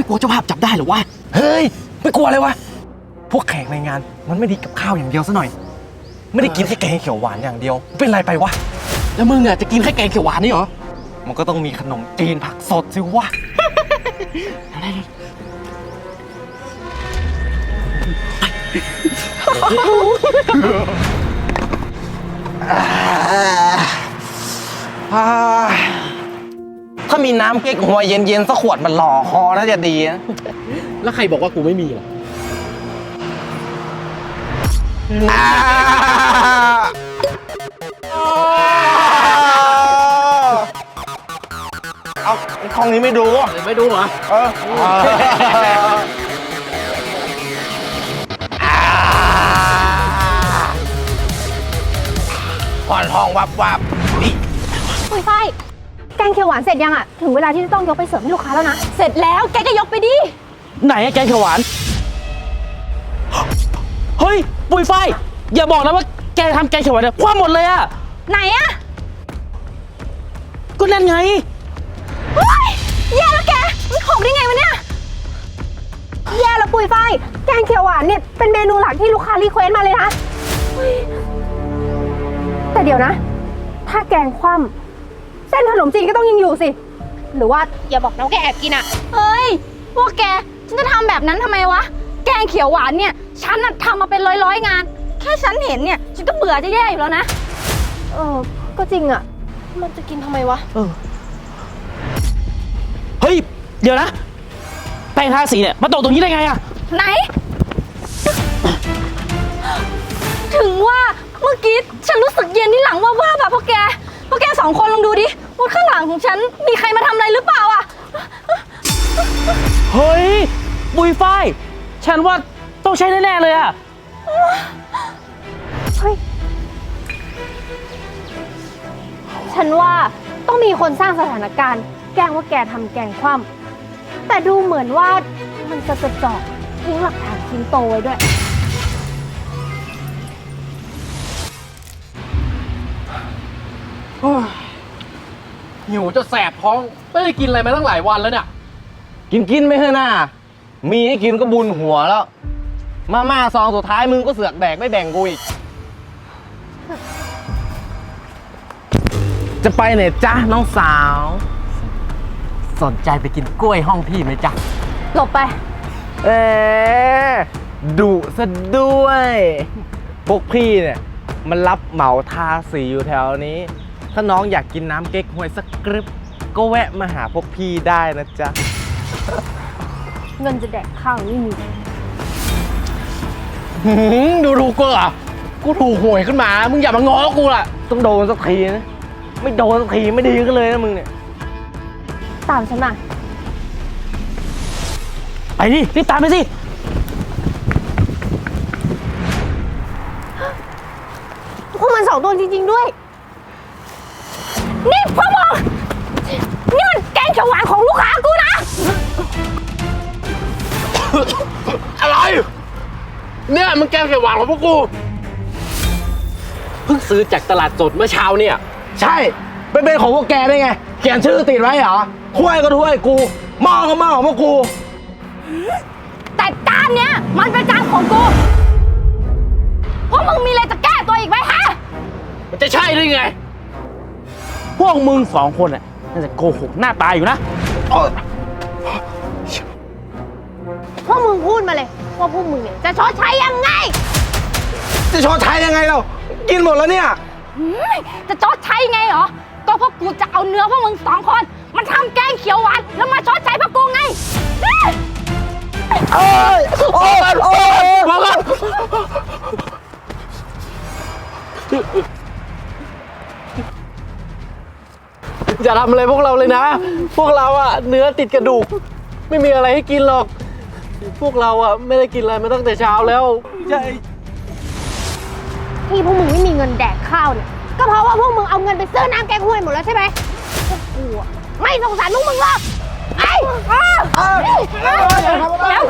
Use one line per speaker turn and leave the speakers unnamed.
กลัวเจ้าภาพจับได้หรอวะเฮ้ยไม่กลัวเลยวะพวกแขกในงานมันไม่ได้กับข้าวอย่างเดียวซะหน่อยไม่ได้กินแค่แกงเขียวหวานอย่างเดียวเป็นไรไปวะแล้วมึงอ่ะจะกินแค่แกงเขียวหวานนี่เหรอมันก็ต้องมีขนมจีนผักสดสิวะถ้ามีน้ำเก๊กหัวเย็นๆสักขวดมันหล่อคอน่าจะดีนะแล้วใครบอกว่ากูไม่มีล่ะเอาของนี้ไม่ดูไม่ดูเหรอผ่อนห้องวับ
ปุ้ยฝ้ายแกงเขียวหวานเสร็จยังอ่ะถึงเวลาที่จะต้องยกไปเสิร์ฟให้ลูกค้าแล้วนะเสร็จแล้วแกก็ยกไปดิ
ไหนแกงเขียวหวานเฮ้ยปุ้ยฝ้ายอย่าบอกนะว่าแกทำแกงเขียวหวานเนี่ยคว่ำหมดเลยอะ
ไหนอะ
ก็นั่นไง
เฮ้ยแย่แล้วแกมันหกได้ไงวะเนี่ยแย่แล้วปุ้ยฝ้ายแกงเขียวหวานเนี่ยเป็นเมนูหลักที่ลูกค้ารีเควสต์มาเลยนะแต่เดี๋ยวนะถ้าแกงคว่ำเส้นขนมจีนก็ต้องยังอยู่สิหรือว่าอย่าบอกนะว่าแกแอบกินอ่ะเฮ้ยพวกแกฉันจะทำแบบนั้นทำไมวะแกงเขียวหวานเนี่ยฉันน่ะทำมาเป็นร้อยงานแค่ฉันเห็นเนี่ยฉันก็เบื่อจะแย่อยู่แล้วนะก็จริงอ่ะมันจะกินทำไมวะ
เฮ้ยเดี๋ยวนะแป้งทาสีเนี่ยมาตกตรงนี้ได้ไงอะ
ไหนถึงว่าเมื่อกี้ฉันรู้สึกเย็นที่หลังว่าแบบพวกแกสองคนลองดูดิว่าข้างหลังของฉันมีใครมาทำอะไรหรือเปล่าอ่ะ
เฮ้ยปุยฝ้ายฉันว่าต้องใช่แน่ๆเลยอะ
เฮ้ยฉันว่าต้องมีคนสร้างสถานการณ์แกล้งว่าแกทำแกงคว่ำแต่ดูเหมือนว่ามันจะเจาะทิ้งหลักฐานชิ้นโตไว้ด้วย
หิวจะแสบท้องไม่ได้กินอะไรมาตั้งหลายวันแล้วเนี่ยกินไม่เถอะน่ามีให้กินก็บุญหัวแล้วมาซองสุดท้ายมึงก็เสือกแดกไม่แบ่งกูอีกจะไปไหนจ๊ะน้องสาวสนใจไปกินกล้วยห้องพี่ไหมจ๊ะ
หลบไป
ดุซะด้วยพวกพี่เนี่ยมันรับเหมาทาสีอยู่แถวนี้ถ้าน้องอยากกินน้ำเก๊กฮวยสักกรึบก็แวะมาหาพวกพี่ได้นะจ๊ะ
เงินจะแดกข้าวไม่มี
ดูกูเหรอกูถูกหวยขึ้นมามึงอย่ามาง้อกูล่ะต้องโดนสักทีนะไม่โดนสักทีไม่ดีก็เลยนะมึงเนี่ย
ตามฉันมา
ไปดิรีบตามไปสิ
พวกมันสองตัวจริงๆด้วยนี่พวกมึงนี่มันแกงเขียวหวานของลูกค้ากูนะ
อะไรเนี่ยมันแกงเขียวหวานของพวกกูเพิ่งซื้อจากตลาดสดเมื่อเช้าเนี่ยใช่เป็นของพวกแกได้ไงเขียนชื่อติดไว้เหรอถ้วยก็ถ้วยกูหม้อก็หม้อของพวกกู
แต่จานเนี้ยมันเป็นจานของกูพวกมึงมีอะไรจะแก้ตัวอีกไหมฮะ
มันจะใช่ได้ไง
พวกมึงสองคนน่ะน่าจะโกหกหน้าตายอยู่นะ
พวกมึงพูดมาเลยว่าพวกมึงเนี่ยจะชดใช้ยังไง
จะชดใช้ยังไงเรากินหมดแล้วเนี่ย
จะชดใช้ไงเหรอก็พวกกูจะเอาเนื้อพวกมึงสองคนมันทำแกงเขียวหวานแล้วมาชดใช้พวกกูไง
มาแล้วอย่าทำอะไรพวกเราเลยนะพวกเราอะเนื้อติดกระดูกไม่มีอะไรให้กินหรอกพวกเราอะไม่ได้กินอะไรมาตั้งแต่เช้าแล้วใช่
ที่พวกมึงไม่มีเงินแดกข้าวเนี่ยก็เพราะว่าพวกมึงเอาเงินไปซื้อน้ำแกงห้วยหมดแล้วใช่ไหมพวกกูไม่สงสารพวกมึงหรอกไอ้แล้ว